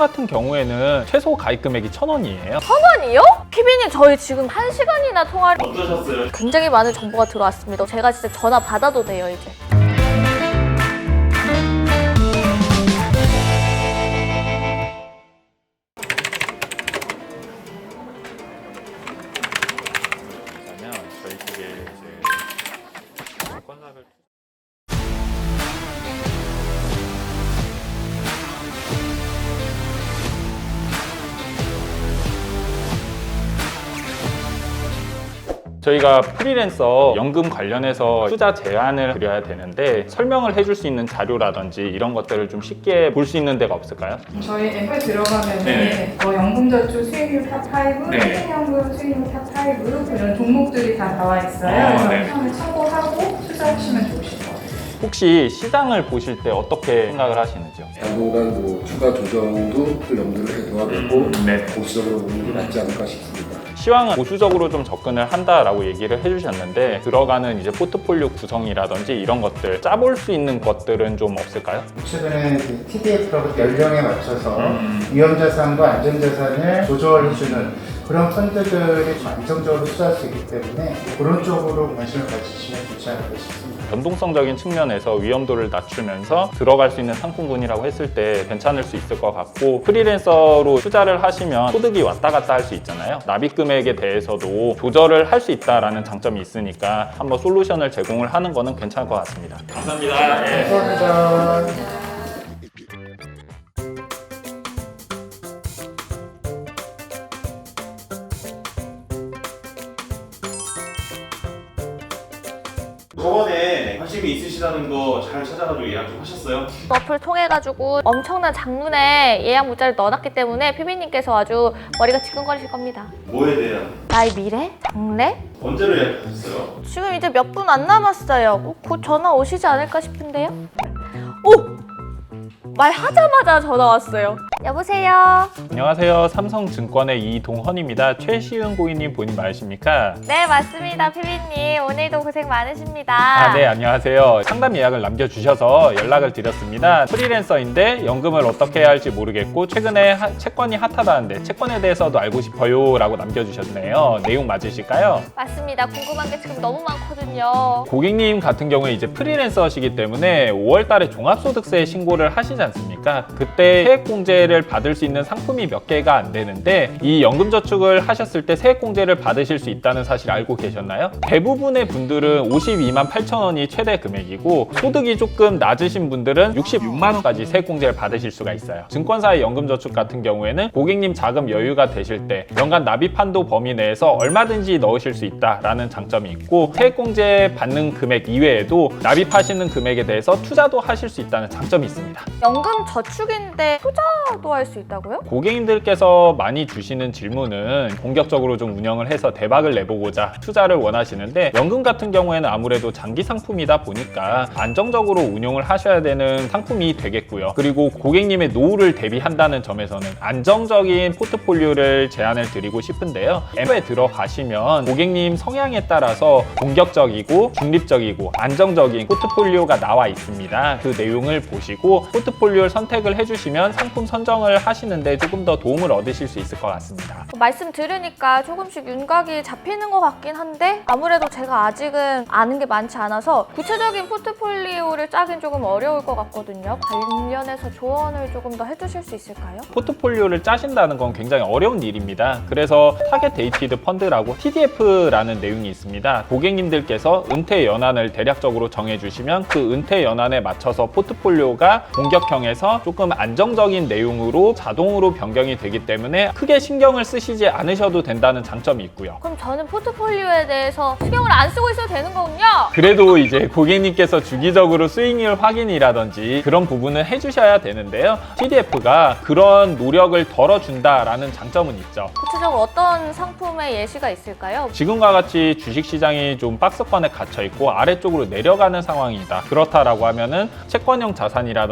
같은 경우에는 최소 가입 금액이 1,000원이에요. 1,000원이요? 피비님 저희 지금 1시간이나 통화를 어떠셨어요? 굉장히 많은 정보가 들어왔습니다. 제가 진짜 전화 받아도 돼요 이제. 그러면 저희 쪽에 이제 건락을 저희가 프리랜서 연금 관련해서 투자 제안을 드려야 되는데 설명을 해줄 수 있는 자료라든지 이런 것들을 좀 쉽게 볼 수 있는 데가 없을까요? 저희 앱에 들어가면 네. 연금저축 수익률 탑5, 네. 생명연금 수익률 탑5 이런 종목들이 다 나와 있어요. 그래서 네. 처음에 참고하고 투자하시면 좋으실 것 같아요. 혹시 시장을 보실 때 어떻게 생각을 하시는지요? 당분간 주가 조정도 염두를 해둬야 되고 네. 보수적으로 보는 게 낫지 않을까 싶습니다. 시황은 보수적으로 좀 접근을 한다라고 얘기를 해주셨는데 들어가는 이제 포트폴리오 구성이라든지 이런 것들 짜볼 수 있는 것들은 좀 없을까요? 최근에 그 TDF라고 연령에 맞춰서 위험자산과 안전자산을 조절해주는 그런 펀드들이 좀 안정적으로 투자할 수 있기 때문에 그런 쪽으로 관심을 가지시면 좋지 않을까 싶습니다. 변동성적인 측면에서 위험도를 낮추면서 들어갈 수 있는 상품군이라고 했을 때 괜찮을 수 있을 것 같고 프리랜서로 투자를 하시면 소득이 왔다 갔다 할 수 있잖아요. 납입 금액에 대해서도 조절을 할 수 있다라는 장점이 있으니까 한번 솔루션을 제공을 하는 거는 괜찮을 것 같습니다. 감사합니다. 네. 감사합니다. 저번에 관심이 있으시다는 거 잘 찾아가지고 예약 좀 하셨어요? 어플 통해가지고 엄청난 장문의 예약 문자를 넣어놨기 때문에 피비님께서 아주 머리가 지끈거리실 겁니다. 뭐에 대한? 나의 미래? 장래? 언제로 예약하셨어요? 지금 이제 몇 분 안 남았어요. 곧 전화 오시지 않을까 싶은데요? 오! 말하자마자 전화 왔어요. 여보세요? 안녕하세요. 삼성증권의 이동헌입니다. 최시은 고객님 본인 맞으십니까? 네, 맞습니다. 피비님. 오늘도 고생 많으십니다. 네, 안녕하세요. 상담 예약을 남겨주셔서 연락을 드렸습니다. 프리랜서인데 연금을 어떻게 해야 할지 모르겠고 최근에 채권이 핫하다는데 채권에 대해서도 알고 싶어요 라고 남겨주셨네요. 내용 맞으실까요? 맞습니다. 궁금한 게 지금 너무 많거든요. 고객님 같은 경우에 이제 프리랜서시기 때문에 5월 달에 종합소득세 신고를 하시지 않습니까? 그때 세액공제를 받을 수 있는 상품이 몇 개가 안 되는데 이 연금저축을 하셨을 때 세액공제를 받으실 수 있다는 사실 알고 계셨나요? 대부분의 분들은 52만 8천 원이 최대 금액이고 소득이 조금 낮으신 분들은 66만 원까지 세액공제를 받으실 수가 있어요. 증권사의 연금저축 같은 경우에는 고객님 자금 여유가 되실 때 연간 납입 한도 범위 내에서 얼마든지 넣으실 수 있다라는 장점이 있고 세액공제 받는 금액 이외에도 납입하시는 금액에 대해서 투자도 하실 수 있다는 장점이 있습니다. 연금 저축인데 투자도 할 수 있다고요? 고객님들께서 많이 주시는 질문은 본격적으로 좀 운영을 해서 대박을 내보고자 투자를 원하시는데 연금 같은 경우에는 아무래도 장기 상품이다 보니까 안정적으로 운용을 하셔야 되는 상품이 되겠고요. 그리고 고객님의 노후를 대비한다는 점에서는 안정적인 포트폴리오를 제안을 드리고 싶은데요. 앱에 들어가시면 고객님 성향에 따라서 공격적이고 중립적이고 안정적인 포트폴리오가 나와 있습니다. 그 내용을 보시고 포트폴리오를 선택을 해주시면 상품 선정을 하시는데 조금 더 도움을 얻으실 수 있을 것 같습니다. 말씀 들으니까 조금씩 윤곽이 잡히는 것 같긴 한데 아무래도 제가 아직은 아는 게 많지 않아서 구체적인 포트폴리오를 짜긴 조금 어려울 것 같거든요. 관련해서 조언을 조금 더 해주실 수 있을까요? 포트폴리오를 짜신다는 건 굉장히 어려운 일입니다. 그래서 타겟 데이티드 펀드라고 TDF라는 내용이 있습니다. 고객님들께서 은퇴 연한을 대략적으로 정해주시면 그 은퇴 연한에 맞춰서 포트폴리오가 공격형에서 조금 안정적인 내용으로 자동으로 변경이 되기 때문에 크게 신경을 쓰시지 않으셔도 된다는 장점이 있고요. 그럼 저는 포트폴리오에 대해서 신경을 안 쓰고 있어도 되는 거군요? 그래도 이제 고객님께서 주기적으로 수익률 확인이라든지 그런 부분은 해주셔야 되는데요. TDF가 그런 노력을 덜어준다라는 장점은 있죠. 구체적으로 어떤 상품의 예시가 있을까요? 지금과 같이 주식시장이 좀 박스권에 갇혀있고 아래쪽으로 내려가는 상황이다. 그렇다라고 하면은 채권형 자산이라든지 이런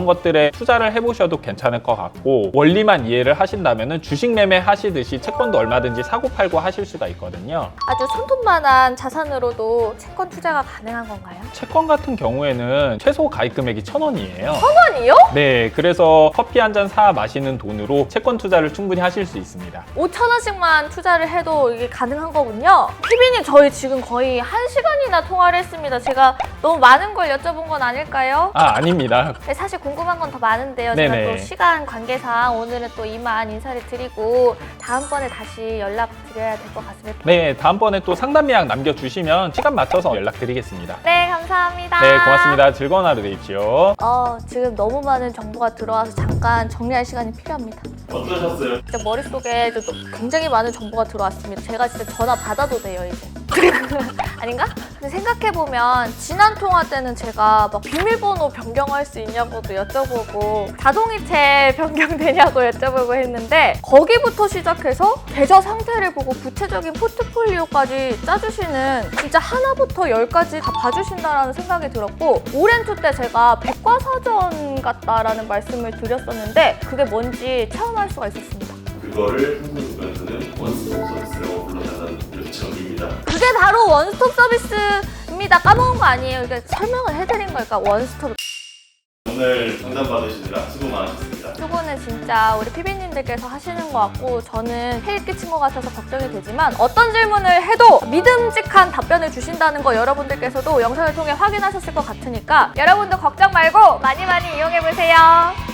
이런 것들에 투자를 해보셔도 괜찮을 것 같고, 원리만 이해를 하신다면 주식 매매 하시듯이 채권도 얼마든지 사고 팔고 하실 수가 있거든요. 아주 손톱만한 자산으로도 채권 투자가 가능한 건가요? 채권 같은 경우에는 최소 가입 금액이 1,000원이에요. 1,000원이요? 네, 그래서 커피 한 잔 사 마시는 돈으로 채권 투자를 충분히 하실 수 있습니다. 5,000원씩만 투자를 해도 이게 가능한 거군요. 피비님, 저희 지금 거의 1시간이나 통화를 했습니다. 제가 너무 많은 걸 여쭤본 건 아닐까요? 아닙니다. 사실 궁금한 건 더 많은데요. 네네. 제가 또 시간 관계상 오늘은 또 이만 인사를 드리고 다음번에 다시 연락드려야 될 것 같습니다. 네, 다음번에 또 상담 예약 남겨주시면 시간 맞춰서 연락드리겠습니다. 네, 감사합니다. 네, 고맙습니다. 즐거운 하루 되십시오. 지금 너무 많은 정보가 들어와서 잠깐 정리할 시간이 필요합니다. 어떠셨어요? 진짜 머릿속에 또 굉장히 많은 정보가 들어왔습니다. 제가 진짜 전화 받아도 돼요, 이제. 아닌가? 근데 생각해보면 지난 통화 때는 제가 막 비밀번호 변경할 수 있냐고도 여쭤보고 자동이체 변경되냐고 여쭤보고 했는데 거기부터 시작해서 계좌 상태를 보고 구체적인 포트폴리오까지 짜주시는, 진짜 하나부터 열까지 다 봐주신다라는 생각이 들었고, 오렌투 때 제가 백과사전 같다라는 말씀을 드렸었는데 그게 뭔지 체험할 수가 있었습니다. 그거를 한국에서는 원스톱 서비스라고 불러달라는 요청입니다. 그게 바로 원스톱 서비스입니다. 까먹은 거 아니에요. 이게 설명을 해드린 거니까 원스톱. 오늘 상담 받으시느라 수고 많으셨습니다. 수고는 진짜 우리 피비님들께서 하시는 것 같고 저는 해일 끼친 것 같아서 걱정이 되지만 어떤 질문을 해도 믿음직한 답변을 주신다는 거 여러분들께서도 영상을 통해 확인하셨을 것 같으니까 여러분도 걱정 말고 많이 많이 이용해보세요.